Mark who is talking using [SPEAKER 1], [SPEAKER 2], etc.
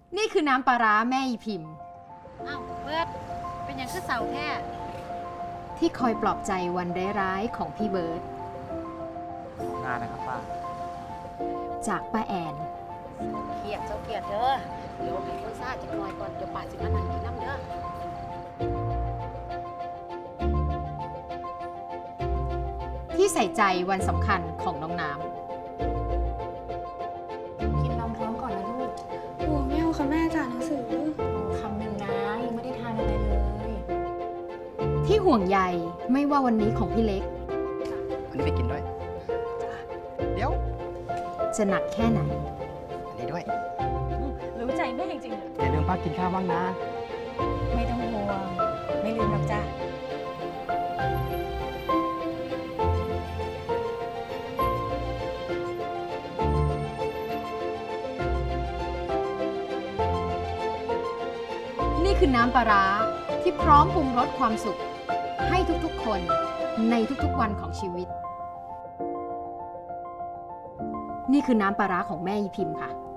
[SPEAKER 1] นี่คือน้ำปลาร้าแม่อีพิมพ์
[SPEAKER 2] อ้าวเบิร์ดเป็นอย่างคือเสาแท้
[SPEAKER 1] ที่คอยปลอบใจวันร้ายๆของพี่เบิร์ต
[SPEAKER 3] งานนะครับป้า
[SPEAKER 1] จากป้าแอน
[SPEAKER 2] เขียดเจ้าเขียดเด้อเดี๋ยวให้คนซ่าจะคอยก่อนเดี๋ยวป่าสิมานั่งกินน้ำเด้อ
[SPEAKER 1] ที่ใส่ใจวันสำคัญของน้องน้
[SPEAKER 2] กินนมพร้อมก่อนนะลูก
[SPEAKER 4] โอ้ไม่เอาค่ะแม่จ่านหนังสือ
[SPEAKER 2] คำหนึ่งนะยังไม่ได้ทานอะไรเลย
[SPEAKER 1] ำที่ห่วงใยไม่ว่าวันนี้ของพี่เล็ก
[SPEAKER 3] อันนี้ไปกินด้วย เดี๋ยว
[SPEAKER 1] จะหนักแค่ไหน
[SPEAKER 3] อันนี้ด้วย
[SPEAKER 2] รู้ใจแม่จริง
[SPEAKER 3] อย่าลืมป้ากินข้าวบ้างนะ
[SPEAKER 2] ๆไม่ต้องห่วงไม่ลืมหรอกจ้ะ
[SPEAKER 1] นี่คือน้ำปลาร้าที่พร้อมปรุงรสความสุข ให้ทุกๆคนในทุกๆวันของชีวิต นี่คือน้ำปลาร้าของแม่อีพิมพ์ค่ะ